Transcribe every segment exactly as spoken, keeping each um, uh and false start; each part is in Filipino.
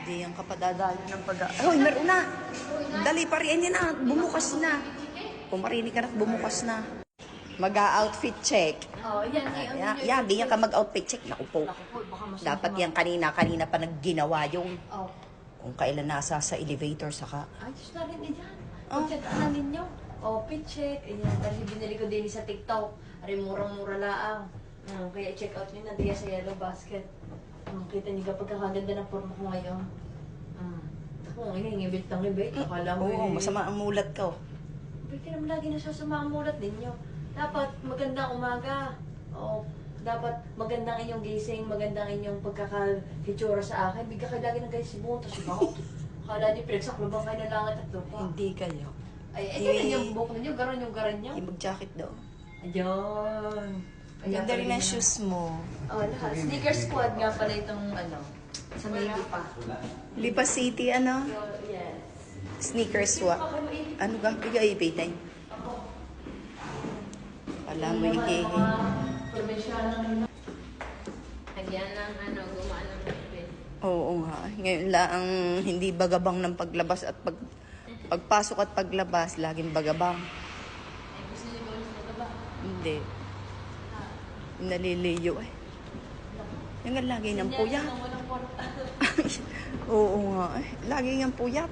Hindi yan kapadadalo ng pag... Hoy, meron na! Dali pa rin yan na. Bumukas na. Kung marinig ka na, bumukas na. Mag-outfit check. Oh, yan. Yan, yan, ganyan ka mag-outfit check. Naku po. Dapat yan kanina-kanina pa nagginawa yung... Oh. Kung kailan nasa sa elevator, saka... Ay, just na rin din yan. Oh. Pag-check na ninyo. Oh, pit check. Ayan, dahil binili ko din sa TikTok. Ari, murang-mura laang. Hmm, kaya i-check out nyo na diya sa Yellow Basket. Hmm, kita niyo kapag kakaganda ng forma ko ngayon. Hmm. Ako, ngayon, ngibit ng ngibit. Akala mo Oo, eh. masama ang mulat ko. Ba't ka naman lagi nasasama ang mulat ninyo? Dapat magandang umaga. O, dapat magandang inyong gising, magandang inyong pagkakakitsura sa akin. Bigla kayo lagi ng guys si Bunta, si Bao. Akala niyo, pinagsakluban kayo ng langit at lupa. Hindi kayo. Ay, ay, ganyan yung buhok ninyo, garon yung garan nyo. Hindi mag-jacket daw. Ayun. Ganda rin ang shoes mo. Oh, lahat. Sneaker squad nga pala itong ano, sa Maybe pa. Lipa City, ano? Yes. Sneaker swap. Ano ga? Bigay ibigay. Wala mo ikihi. Nagyan ng ano, gumaan ng kapit. Oo nga. Ngayon lang ang hindi bagabang ng paglabas at pag pagpasok at paglabas, laging bagabang. Ay, gusto niyo ba gusto ka ba? Hindi. Naliliyo eh. Yung nga lagi ng puyat. Yan, walang porta. Oo nga eh. Lagi ng puyat.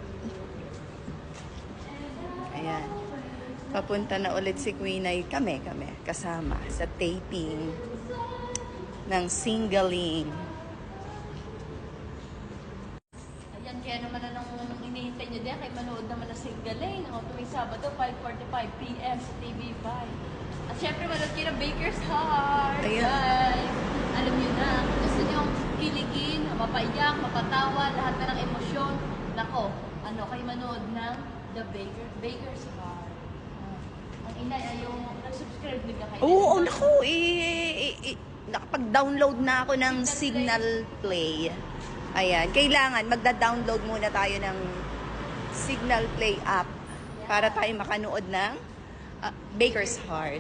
Ayan. Papunta na ulit si Queen ay kami, kami, kasama sa taping ng Singling. Ayan, kaya naman na nung inihintay nyo din, kay manood naman na Singling. O, tuwing Sabado, five forty-five p m sa T V five. At syempre, manood kayo ng Baker's Heart. Ayan. Guys, alam nyo na, kung gusto nyo kiligin, mapaiyak, mapatawa, lahat na ng emosyon. Nako, ano, kayo manood ng The Baker, Baker's Heart. Uh, ang inay ay yung nag-subscribe nila kayo. Oo, naku. Eh, eh, eh, nakapag-download na ako ng Signal Play. Ayan. Kailangan, magda-download muna tayo ng Signal Play app para tayo makanood ng uh, Baker's Heart.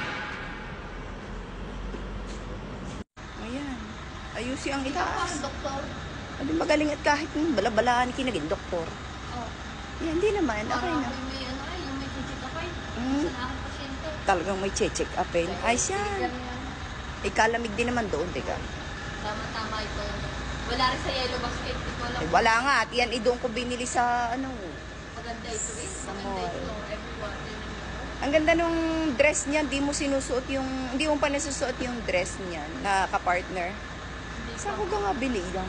Ayan. Ayusin ang itaas. Doktor. Ano magaling at kahit hmm, balabalaan kinagin, doktor. Oh. Yan, hindi naman. Okay Parang na. ako may ano ay, yung may chichikapay. Mm. Sa aking pasyente. Talagang may check upin. Ay, siya. Ikalamig din naman doon, teka. Tama-tama ito. Wala rin sa Yellow Basket. Ito lang. Eh, wala nga. At yan, eh, doon ko binili sa, ano, Maganda ito eh. Sa Maganda mall. ito. Everyone. ang ganda nung dress niya. Hindi mo sinusuot yung, hindi mo pa nasusuot yung dress niya na kapartner. Saan ko ka nga bili yan?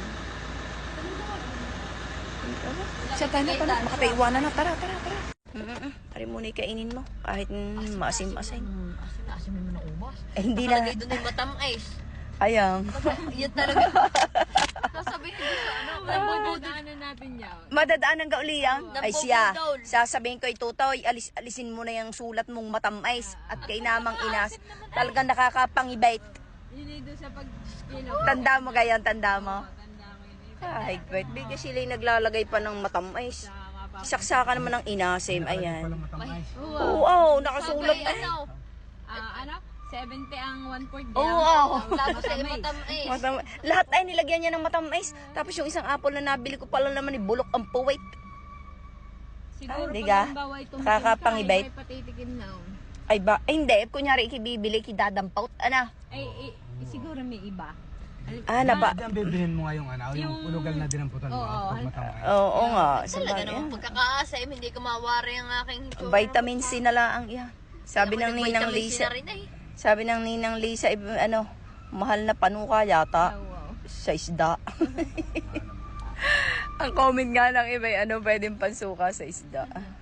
Siya tayo na pala. Makapaiwanan na. Tara, tara, tara. Mm-mm. Tari muna ikainin mo. Kahit mm, maasim-asim. Hmm, asin-asin mo na ubas. Eh, hindi na. Nakalagay doon ay matamais. Ayang. Yan talaga. Sasabihin ko sa ano. Nabubudaanan natin yan. Madadaan ng gauliyang? Ay siya. Nabubudol. Sasabihin ko itutoy, alis, alisin mo na yung sulat mong matamais at kay namang inas. Talagang nakakapangibait. Yun ay doon sa pag-skill. Tanda mo gayon, tanda mo. Tanda ko yun. Ay, great. Bigla sila yung naglalagay pa ng matamais. Saksakan naman ng inasim. Ayan. Oo, oh, nakasulat. Sabi, Ay. ano? Ah, ano? seventy ang one fourth Oo, oh, Tapos ay matamais. Matam lahat ay nilagyan niya ng matamais. Tapos yung isang apple na nabili ko pala naman ni bulok ang puwit. Siguro Ay, pag diga? halimbawa ay tumikim Kakapangibait. ka, ay may patitikim na. oh. Ay ba? Ay, hindi. Kunyari, ikibibili, kidadampaut. Ano? Ay, ay, ay, siguro may iba. Alim- Ah, napa. Diyan bibilhin mo nga yung ano, yung, Yung- ulugal na din ang putal mo. Oo, pag matamay. Oo nga. Sa Talaga bagay. naman pagkakaasim, hindi ko mawari ang aking itsura. Vitamin C na lang yan. Sabi ng Ako Ninang nag-vitamin C Lisa. na rin eh. Sabi ng Ninang Lisa, eh, ano, mahal na panuka yata. Oh, wow. Sa isda. Ang comment nga ng iba, ano pwedeng pansuka sa isda.